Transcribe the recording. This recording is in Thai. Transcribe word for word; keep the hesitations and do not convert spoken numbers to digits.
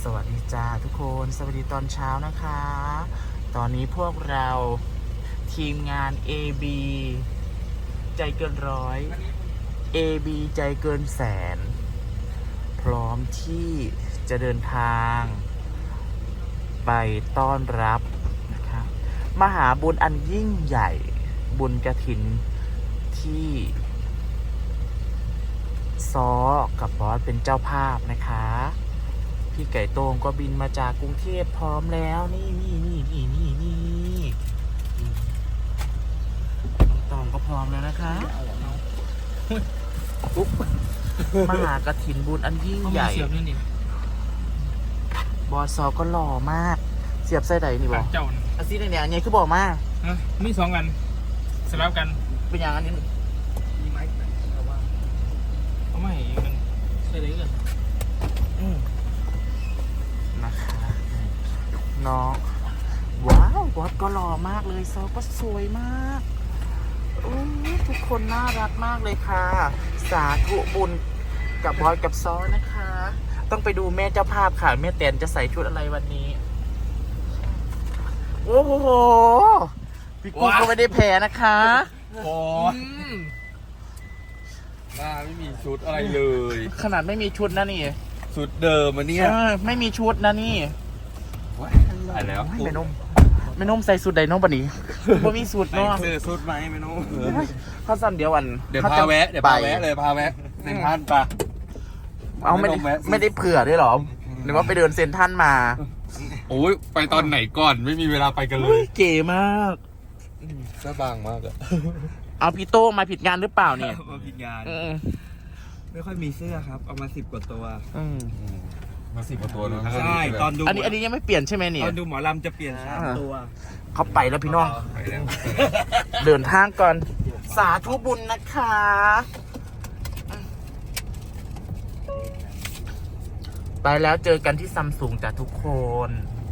สวัสดีจ้าทุกคนสวัสดีตอนเช้านะคะตอนนี้พวกเราทีมงาน เอ บี ใจเกินร้อย เอ บี ใจเกินแสนพร้อมที่จะเดินทางไปต้อนรับนะคะมหาบุญอันยิ่งใหญ่บุญกฐินที่ซอกับบอสเป็นเจ้าภาพนะคะพี่ไก่โต้งก็บินมาจากกรุงเทพพร้อมแล้วนี่นี่นี่นี่นี่นี่ตองก็พร้อมแล้วนะคะปุ๊บมหากฐินบุญอันยิ่งใหญ่บอสซอก็หล่อมากเสียบไส้ใดนี่บอเจ้าอาซีเนี่ยอันนี้คือบอกมาฮะมีสองกันสลับกันเป็นอย่างอันนี้มีไม้แต่ว่าเขาไม่มันใช่เลยกันอืมนะคะน้องว้าวบอสก็หล่อมากเลยซอก็สวยมากโอ้ยทุกคนน่ารักมากเลยค่ะ สาธุบุญกับบอสกับซอนะคะ ต้องไปดูแม่เจ้าภาพค่ะแม่แตนจะใส่ชุดอะไรวันนี้โอ้โหพี่กุ้งก็ไม่ได้แพ้นะคะโอ้ยหน้าไม่มีชุดอะไรเลยขนาดไม่มีชุดนะนี่ชุดเดิมมันเนี่ยเออไม่มีชุดนะนี่ตายแล้วไม่นุ่มไม่นุ่มใส่สูตรใดน้องปะนี้บ่มีสูตรใส่เนาะเสื้อชุดไหมไม่รู้เขาสั่นเดียวอันเดี๋ยวขพาจะแวะเดี๋ยวพาแวะเลยพาแวะเซ็นทรัลปะเอาไม่ได้ไม่ต้องแวะไม่ได้เผื่อด้วยเหรอหรือว่าไปเดินเซ็นทรัลมาโอ้ยไปตอนไหนก่อนไม่มีเวลาไปกันเลเฮ้ยยเก๋มากเสื้อบางมากอะเอาพี่โต้มาผิดงานหรือเปล่าเนี่ยมาผิดงานอืมไม่ค่อยมีเสื้อครับ เอามาสิบกว่าตัวอืมมาสิบกว่าตัวแล้วใช่ตอนดูอันนี้อันนี้ยังไม่เปลี่ยนใช่ไหมเนี่ยตอนดูหมอลำจะเปลี่ยนสามอ่าตัวเขาไปแล้วพี่น้องไปแล้วเดินทางก่อน สาธุบุญนะคะ ไปแล้วเจอกันที่ซัมซุงจ้ะทุกคน